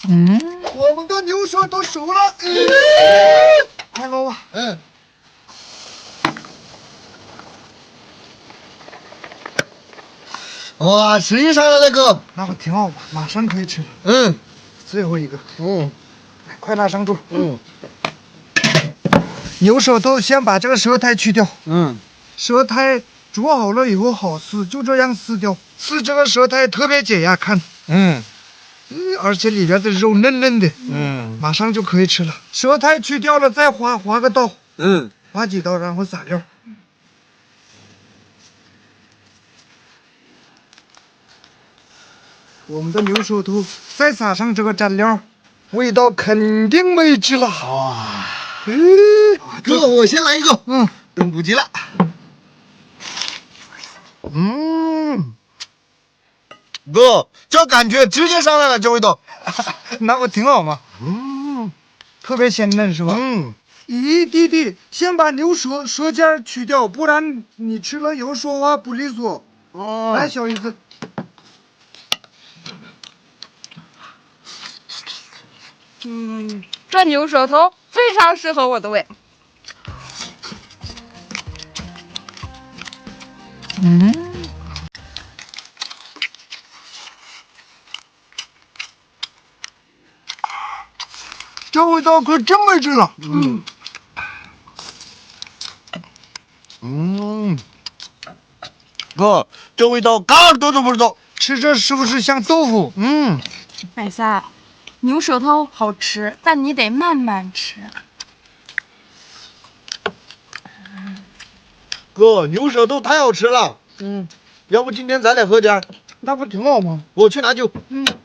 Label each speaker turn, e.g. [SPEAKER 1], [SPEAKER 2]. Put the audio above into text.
[SPEAKER 1] 我们的牛舌都熟了。开锅吧。
[SPEAKER 2] 哇，吃一上了那个，
[SPEAKER 1] 那不挺好吗？马上可以吃了。最后一个。快拿上桌。牛舌头先把这个舌苔去掉。舌苔煮好了以后好撕，就这样撕掉。撕这个舌苔特别解压，看。而且里边的肉嫩嫩的。马上就可以吃了。舌苔去掉了，再划个刀。划几刀，然后撒料。我们的牛舌头再撒上这个蘸料，味道肯定美极了。
[SPEAKER 2] 哇！哥，我先来一个。等不及了。哥，这感觉直接上来了，这味道。
[SPEAKER 1] 那不挺好吗？特别鲜嫩是吧？咦，弟弟，先把牛舌尖去掉，不然你吃了以后说话不利索。来，小姨子。
[SPEAKER 3] 这牛舌头非常适合我的胃。
[SPEAKER 1] 这味道可真美极了。
[SPEAKER 2] 哥，这味道嘎耳朵都不知道。
[SPEAKER 1] 吃着是不是像豆腐？
[SPEAKER 3] 百三，牛舌头好吃，但你得慢慢吃。
[SPEAKER 2] 哥，牛舌头太好吃了。要不今天咱俩喝点儿？
[SPEAKER 1] 那不挺好吗？
[SPEAKER 2] 我去拿酒。